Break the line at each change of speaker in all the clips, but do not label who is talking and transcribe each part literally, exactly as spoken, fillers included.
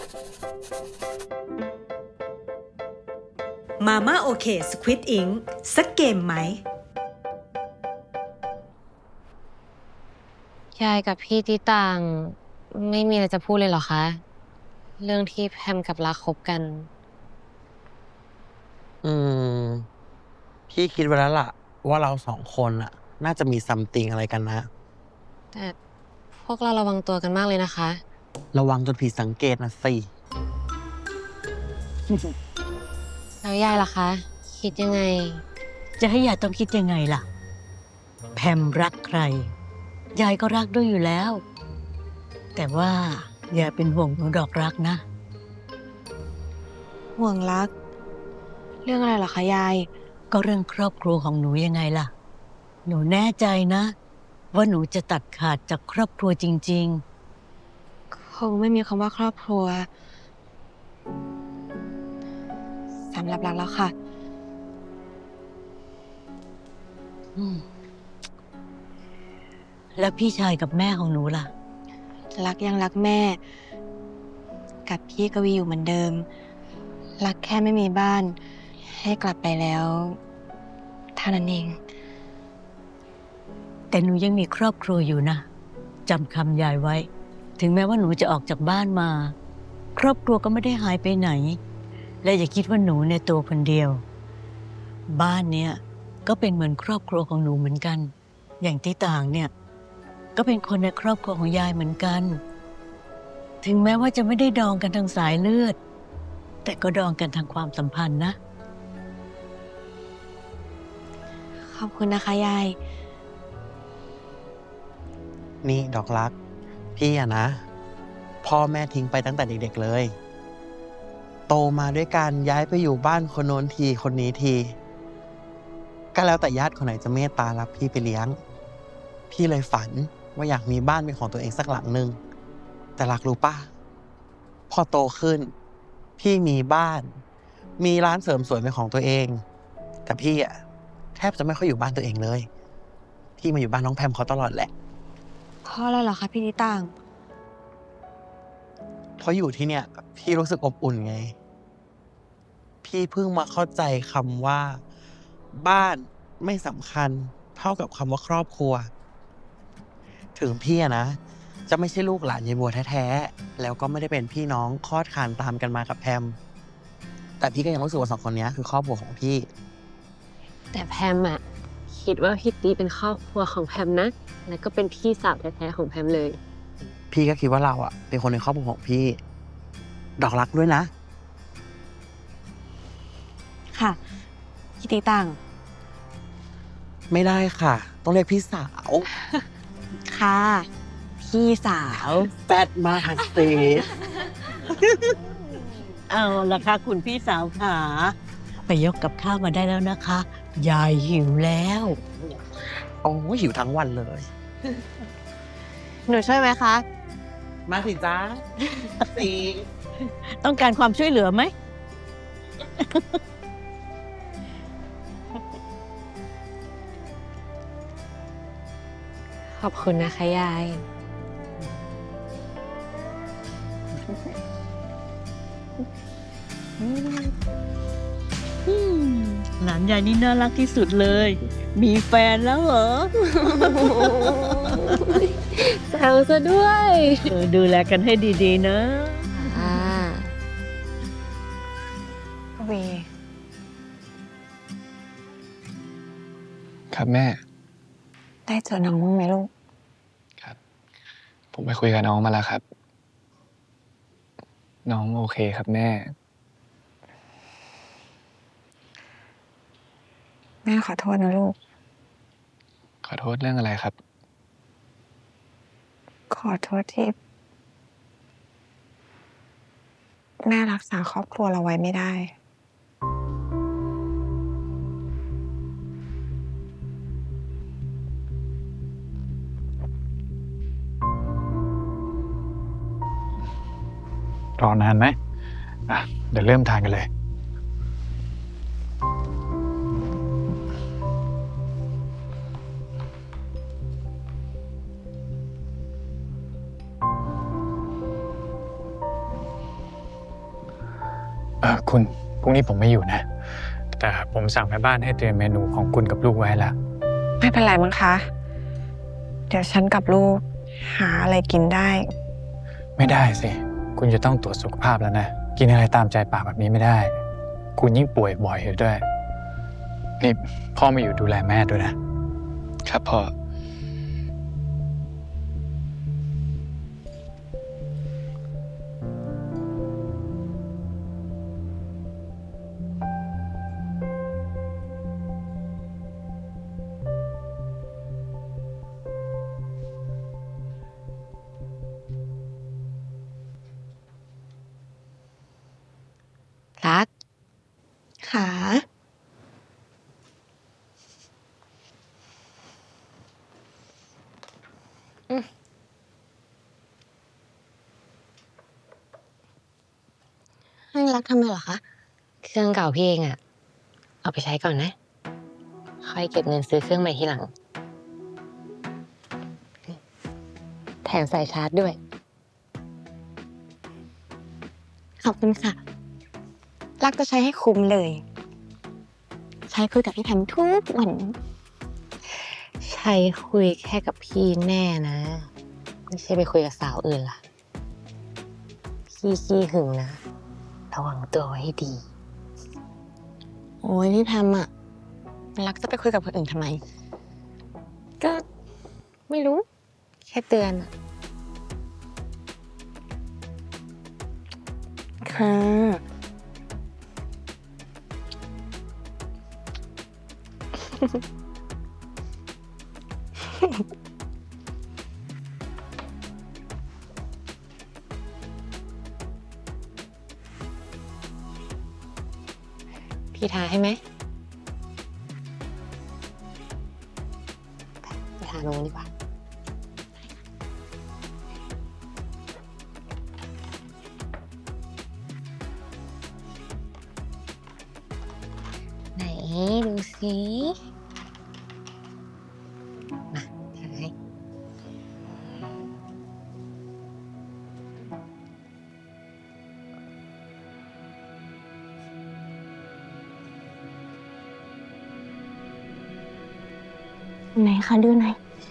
มาม่าโอเคสควิดอิงสักเกมไหม
ยายกับพี่ที่ต่างไม่มีอะไรจะพูดเลยเหรอคะเรื่องที่แพมกับรักคบกัน
อืมพี่คิดไว้แล้วล่ะว่าเราสองคนอะน่าจะมีซัมติงอะไรกันนะ
แต่พวกเราระวังตัวกันมากเลยนะคะ
ระวังจนผิดสังเกตนะสิ
แล้วยายล่ะคะ คิดยังไง
จะให้ยายต้องคิดยังไงล่ะ แพมรักใคร ยายก็รักด้วยอยู่แล้ว แต่ว่าอย่าเป็นห่วงหนูดอกรักนะ
ห่วงรัก เรื่องอะไรเหรอคะยาย
ก็เรื่องครอบครัวของหนูยังไงล่ะ หนูแน่ใจนะ ว่าหนูจะตัดขาดจากครอบครัวจริง
คงไม่มีคำว่าครอบครัวสำหรับรักแล้วค่ะ
ๆ อืมแล้วพี่ชายกับแม่ของหนูล่ะ
รักยังรักแม่ กับพี่กวีอยู่เหมือนเดิม รักแค่ไม่มีบ้าน ให้กลับไปแล้วเท่านั้นเอง
แต่หนูยังมีครอบครัวอยู่นะจำคำยายไว้ ถึงแม้ว่าหนูจะออกจากบ้านมา ครอบครัวก็ไม่ได้หายไปไหน และอย่าคิดว่าหนูเนี่ยตัวคนเดียว บ้านเนี้ยก็เป็นเหมือนครอบครัวของหนูเหมือนกัน อย่างที่ต่างเนี่ยก็เป็นคนในครอบครัวของยายเหมือนกัน ถึงแม้ว่าจะไม่ได้ดองกันทางสายเลือด แต่ก็ดองกันทางความสัมพันธ์นะ
ขอบคุณนะคะยาย
นี่ดอกรัก พี่อะนะ พ่อแม่ทิ้งไปตั้งแต่เด็กๆเลย โตมาด้วยกันย้ายไปอยู่บ้านคนโน้นทีคนนี้ที ก็แล้วแต่ญาติคนไหนจะเมตตารับพี่ไปเลี้ยง พี่เลยฝันว่าอยากมีบ้านเป็นของตัวเองสักหลังหนึ่งแต่รักรู้ป่ะพอโตขึ้น พี่มีบ้าน มีร้านเสริมสวยเป็นของตัวเอง แต่พี่อะแทบจะไม่ค่อยอยู่บ้านตัวเองเลย พี่มาอยู่บ้านน้องแพมเขาตลอดแหละ
เพราะอะไรเหรอคะพี่นิต่าง
เพราะอยู่ที่เนี่ย พี่รู้สึกอบอุ่นไง พี่เพิ่งมาเข้าใจคำว่า บ้านไม่สำคัญเท่ากับคำว่าครอบครัว ถึงพี่อะนะ จะไม่ใช่ลูกหลานยายบัวแท้ๆแล้วก็ไม่ได้เป็นพี่น้องคลอดคลานตามกันมากับแพมแต่พี่ก็ยังรู้สึกว่าสองคนนี้คือครอบครัวของพี่
แต่แพมอะคิดว่าพี่ตีเป็นครอบครัวของแพมนะ แล้วก็เป็นพี่สาวแท้ๆของแพมเลย
พี่ก็คิดว่าเราอะเป็นคนในครอบครัวของพี่ ดอกรักด้วยนะ
ค่ะ พี่ตีต่าง
ไม่ได้ค่ะ ต้องเรียกพี่สาว
ค่ะ พี่สาว
แฟดมากสิ
เอาละค่ะคุณพี่สาวขาไปยกกับข้าวมาได้แล้วนะคะ ยายหิวแล้ว
โอ้ยหิวทั้งวันเลย
หนูช่วยไหมคะ
มาสิจ้าสี
ต้องการความช่วยเหลือไหม
ขอบคุณนะคะยาย
อืมหลานยายนี่น่ารักที่สุดเลย มีแฟนแล้วเหรอ
แซวซะด้วย
เออดูแลกันให้ดีๆนะ
อ่าเว
ครับแม่
ได้เจอน้องบ้างไหมลูก
ครับ ผมไปคุยกับน้องมาแล้วครับ น้องโอเคครับแม่
แม่ขอโทษนะลูก
ขอโทษเรื่องอะไรครับ
ขอโทษที่ แม่รักษาครอบครัวเราไว้ไม่ได้
รอนานไหมอ่ะ เดี๋ยวเริ่มทานกันเลย
อคุณพรุ่งนี้ผมไม่อยู่นะ แต่ผมสั่งแม่บ้านให้เตรียมเมนูของคุณกับลูกไว้แล้ว
ไม่เป็นไรมั้งคะ เดี๋ยวฉันกับลูกหาอะไรกินได้
ไม่ได้สิ คุณจะต้องตรวจสุขภาพแล้วนะ กินอะไรตามใจปากแบบนี้ไม่ได้ คุณยิ่งป่วยบ่อยอยู่ด้วย นี่พ่อมาอยู่ดูแลแม่ด้วยนะ
ครับพ่อ
รักขา ให้รักทำไมเหรอคะ
เครื่องเก่าพี่เองอะเอาไปใช้ก่อนนะ ค่อยเก็บเงินซื้อเครื่องใหม่ทีหลัง แถมใส่ชาร์จด้วย
ขอบคุณค่ะ รักจะใช้ให้คุ้มเลย ใช้คุยกับพี่แพมทุกวัน
ใช้คุยแค่กับพี่แน่นะ ไม่ใช่ไปคุยกับสาวอื่นล่ะ พี่ขี้หึงนะ ระวังตัวไว้ให้ดี
โอ้ยพี่แพมอะรักจะไปคุยกับคนอื่นทำไม
ก็ไม่รู้ แค่เตือนอะ
ค่ะ
พี่ทาให้ไหมไปทาโน้นดีกว่า ไหนดูสิมาทาให้
ไหนคะดูหน่อย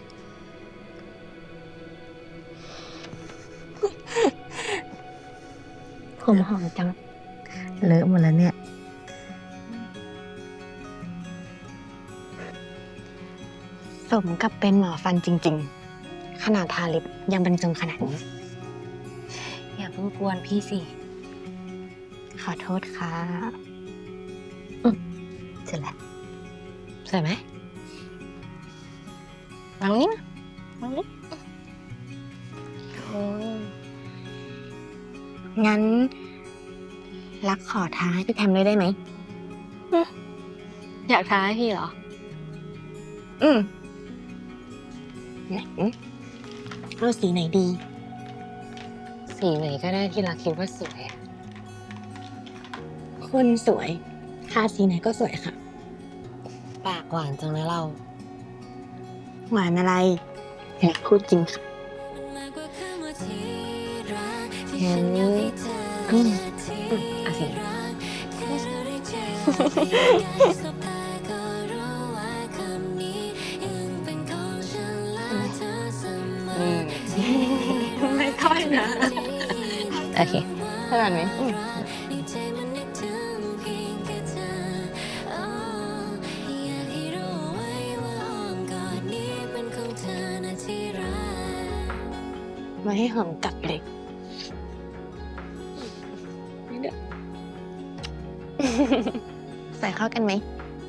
ผมหอมจัง เลอะหมดแล้วเนี่ย
สมกับเป็นหมอฟันจริงๆ ขนาดทาลิปยังบรรจงขนาดนี้
อย่าเพิ่งกวนพี่สิ
ขอโทษค่ะ
เสร็จแล้วสวยไหมวางนี้มาวางนี้โอ้
งั้น รักขอท้าให้พี่แพมเลยได้ไหม
อยากทาให้พี่เหรอ
อืมไหนเอาสีไหนดี
สีไหนก็ได้ที่รักคิดว่าสวยอะ
คนสวยทาสีไหนก็สวยค่ะ
ปากหวานจังนะเรา
หวานอะไรอยากพูดจริงค่ะ
งั้นอืมอืมเอาสิ
ไม่ค่อยนะ
โอเค
ขนาดไหม มาให้หอมกัดเลยไม่เด้อ ใส่เข้ากันไหม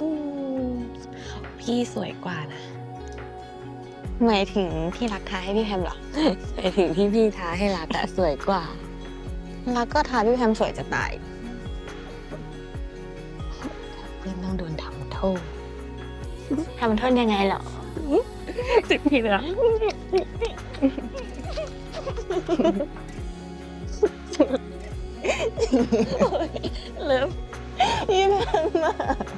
พี่สวยกว่านะ
หมายถึงที่รักทาให้พี่แพมเหรอ
ไปถึงที่พี่ท้าให้รักอะสวยกว่า
รักก็ทาพี่แพมสวยจะตาย
เพื่อนต้องโดนทำโทษ
ทำโทษยังไงเหรอสิบทีแล้วเลิฟพี่แพมมา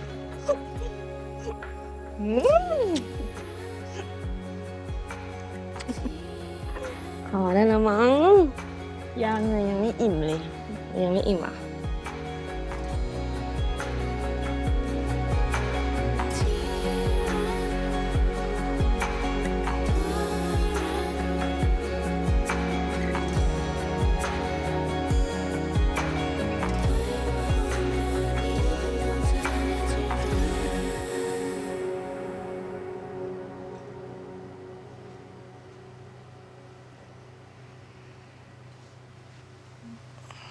พอได้แล้วมั้งยังเลยยังไม่อิ่มเลย
ยังไม่อิ่มอ่ะ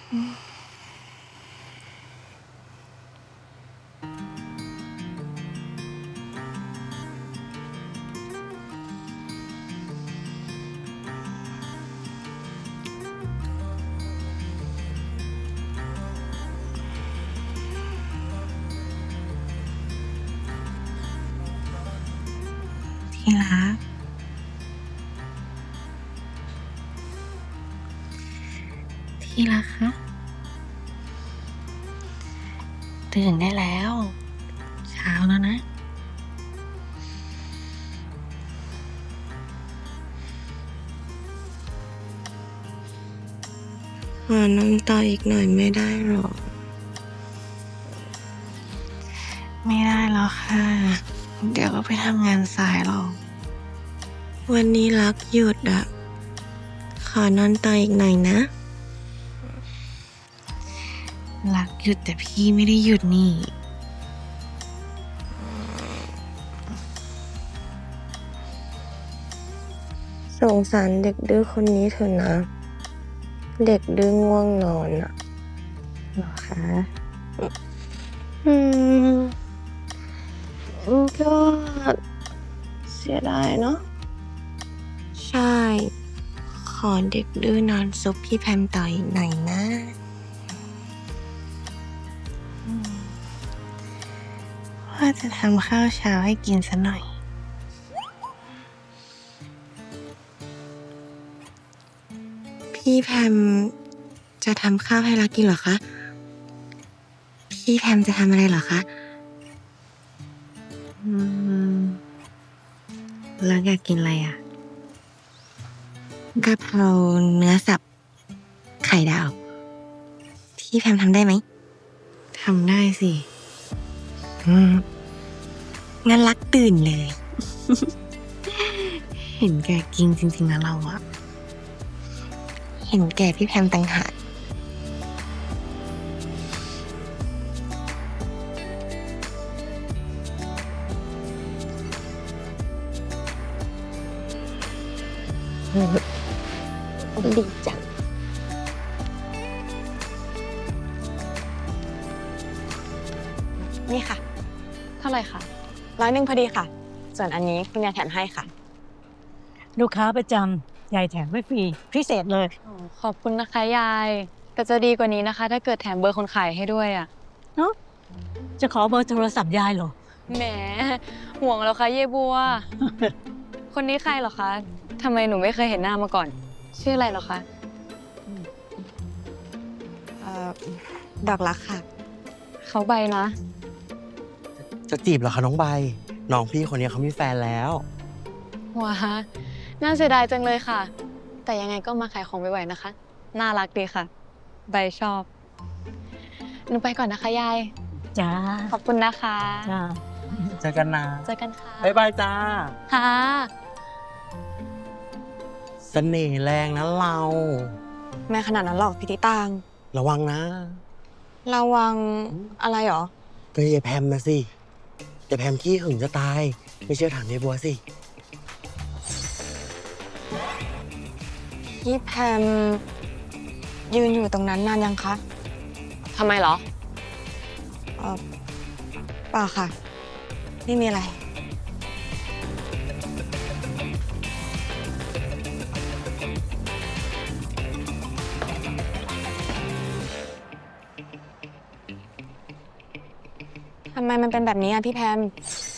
ที่รัก ที่รักคะ ตื่นได้แล้ว เช้าแล้วนะ ขอนอนต่ออีกหน่อยไม่ได้หรอ ไม่ได้แล้วค่ะ เดี๋ยวก็ไปทำงานสายหรอก วันนี้รักหยุดอะขอนอนต่ออีกหน่อยนะ รักหยุดแต่พี่ไม่ได้หยุดนี่ สงสารเด็กดื้อคนนี้เถอะนะ เด็กดื้อง่วงนอนอะหรอคะ อืมก็เสียดายเนาะ ใช่ ขอเด็กดื้อนอนซุปพี่แพมต่ออีกหน่อยนะอืมว่าจะทำข้าวเช้าให้กินซะหน่อย พี่แพมจะทำข้าวให้รักกินเหรอคะ พี่แพมจะทำอะไรเหรอคะ อืมรักอยากกินอะไรอ่ะกะเพราเนื้อสับ ไข่ดาว พี่แพมทำได้ไหม ทำได้สิ อืมงั้นรักตื่นเลย เห็นแก่กินจริงๆนะเราอะเห็นแก่พี่แพมต่างหากดีจัง นี่ค่ะ เท่าไหร่คะร้อยหนึ่งพอดีค่ะ ส่วนอันนี้คุณยายแถมให้ค่ะ
ลูกค้าประจำยายแถมไม่ฟรีพิเศษเลย
อ๋อขอบคุณนะคะยาย แต่จะดีกว่านี้นะคะ ถ้าเกิดแถมเบอร์คนขายให้ด้วยอ่ะ
เนาะจะขอเบอร์โทรศัพท์ยายเหรอ
แหม ห่วงแล้วคะเยบัว คนนี้ใครเหรอคะทำไมหนูไม่เคยเห็นหน้ามาก่อน ชื่ออะไรเหรอคะ
เอ่อ ดอกรักค่ะ
เขาใบนะ
จะจีบเหรอคะน้องใบ น้องพี่คนนี้เขามีแฟนแล้ว
ว้า น่าเสียดายจังเลยค่ะ แต่ยังไงก็มาขายของไวๆนะคะ น่ารักดีค่ะ ใบชอบ หนูไปก่อนนะคะยาย
จ้า
ขอบคุณนะคะ
จ้า
เจอกันนะ
เจอกันค่ะ
บ๊ายบายจ้า
ค่ะ
เสน่ห์แรงนะเรา
แม่ขนาดนั้นหรอกพี่ติตาง
ระวังนะ
ระวังอะไรหรอ
ก็ยายแพมนะสิยายแพมขี้หึงจะตาย ไม่เชื่อถามยายบัวสิ
พี่แพมยืนอยู่ตรงนั้นนานยังคะ
ทำไมเหรอ
เออเปล่าค่ะ ไม่มีอะไร ทำไมมันเป็นแบบนี้อ่ะพี่แพม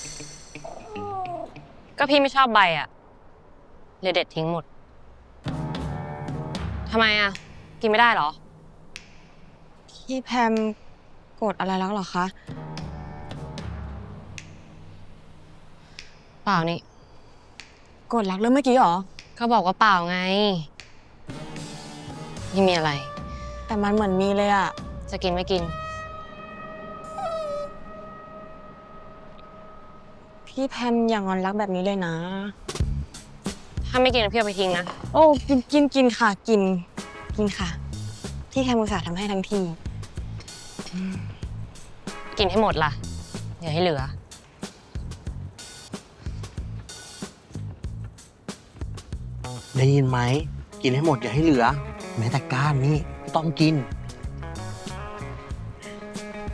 ก็พี่ไม่ชอบใบอะเลยเด็ดทิ้งหมด ทำไมอะกินไม่ได้เหรอ
พี่แพมโกรธอะไรแล้วเหรอคะ
เปล่านี่
โกรธรักเรื่องเมื่อกี้เหรอ
เขาบอกว่าเปล่าไงไม่มีอะไร
แต่มันเหมือนมีเลยอะ
จะกินไม่กิน
พี่แพมอย่างอนรักแบบนี้เลยนะ
ถ้าไม่กินพี่เอาไปทิ้งนะ
โอ้กินกินกินค่ะ กิน กินค่ะ พี่แพมอุตส่าห์ทำให้ทั้งที
กินให้หมดล่ะ อย่าให้เหลือ
ได้ยินไหม กินให้หมดอย่าให้เหลือ แม้แต่ก้านนี่ก็ต้องกิน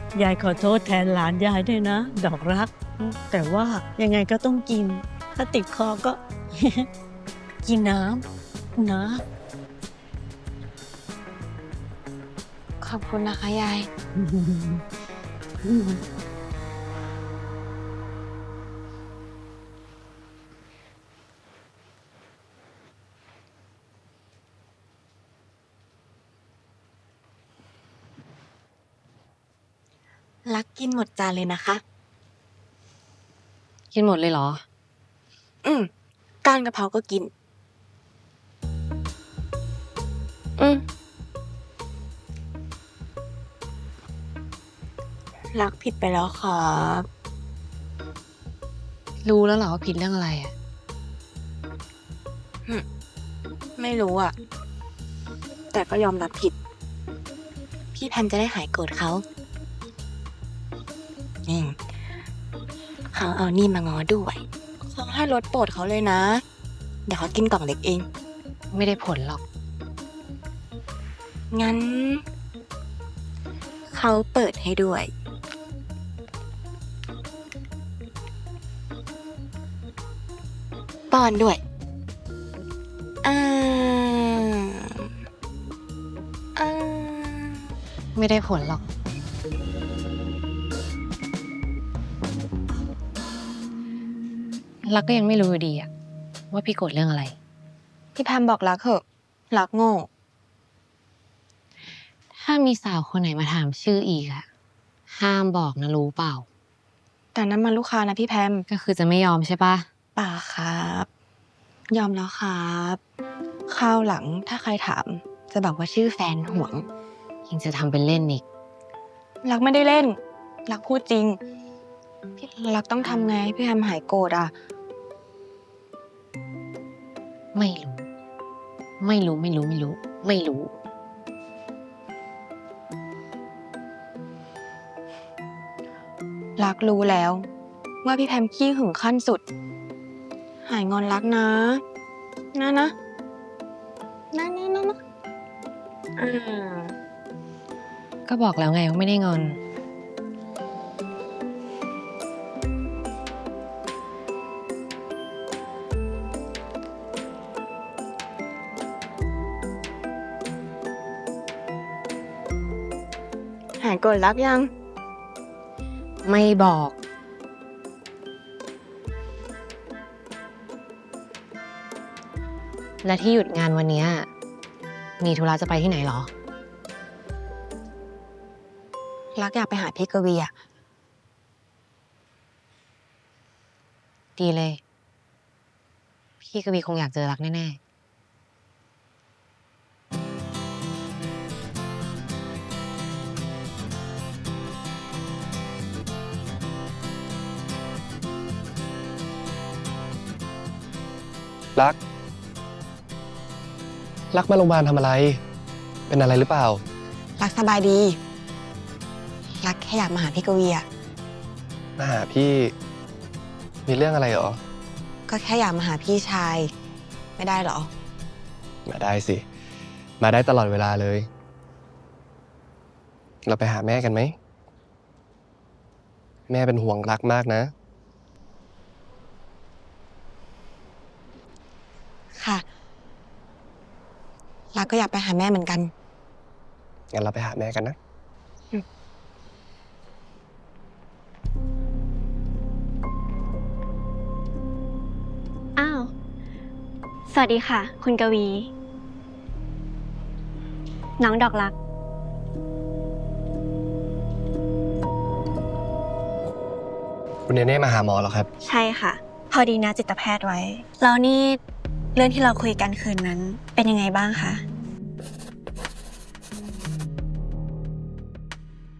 ยายขอโทษแทนหลานยายด้วยนะ ดอกรัก แต่ว่ายังไงก็ต้องกิน ถ้าติดคอก็ กินน้ำนะ
ขอบคุณนะคะยาย รักกินหมดจานเลยนะคะ
กินหมดเลยเหรอ
อืมก้านกะเพราก็กิน อืมรักผิดไปแล้วครับ
รู้แล้วเหรอว่าผิดเรื่องอะไรอ่ะ
ไม่รู้อ่ะ แต่ก็ยอมรับผิด พี่แพมจะได้หายโกรธเขานี่เขาเอานี่มาง้อด้วยเขาให้รสโปรดเขาเลยนะ เดี๋ยวเขากินกล่องเล็กเอง
ไม่ได้ผลหรอก
งั้น เขาเปิดให้ด้วย ป้อนด้วยอ่าอ่า
ไม่ได้ผลหรอก รักก็ยังไม่รู้อยู่ดีอะว่าพี่โกรธเรื่องอะไร
พี่แพมบอกรักเหอะ รักโง่
ถ้ามีสาวคนไหนมาถามชื่ออีกอะห้ามบอกนะรู้เปล่า
แต่นั้นมันลูกค้านะพี่แพม
ก็คือจะไม่ยอมใช่ปะ
ป่าครับ ยอมแล้วครับคราวหลังถ้าใครถาม จะบอกว่าชื่อแฟนห่วง
ยังจะทำเป็นเล่นอีก
รักไม่ได้เล่น รักพูดจริง พี่รักต้องทำไงให้พี่แพมหายโกรธอ่ะ
ไม่รู้ ไม่รู้ไม่รู้ไม่รู้ ไม่รู้
รักรู้แล้ว ว่าพี่แพมขี้หึงขั้นสุด หายงอนรักนะ นะนะนะนะนะนะอ่า
ก็บอกแล้วไงว่าไม่ได้งอน
หายโกรธรักยัง
ไม่บอก และที่หยุดงานวันเนี้ยมีธุระจะไปที่ไหนเหรอ
รักอยากไปหาพี่กวีอะ
ดีเลย พี่กวีคงอยากเจอรักแน่
รัก รักมาโรงพยาบาลทำอะไร เป็นอะไรหรือเปล่า
รักสบายดี รักแค่อยากมาหาพี่กวีอะ
มาหาพี่ มีเรื่องอะไรเหรอ
ก็แค่อยากมาหาพี่ชาย ไม่ได้เหรอ
มาได้สิ มาได้ตลอดเวลาเลย เราไปหาแม่กันไหม แม่เป็นห่วงรักมากนะ
ค่ะ รักก็อยากไปหาแม่เหมือนกัน
งั้นเราไปหาแม่กันนะ
อ้าว สวัสดีค่ะ คุณกวี น้องดอกรัก
คุณเนเน่มาหาหมอเหรอครับ
ใช่ค่ะ พอดีนะจิตแพทย์ไว้ แล้วนี่เรื่องที่เราคุยกันคืนนั้นเป็นยังไงบ้างคะ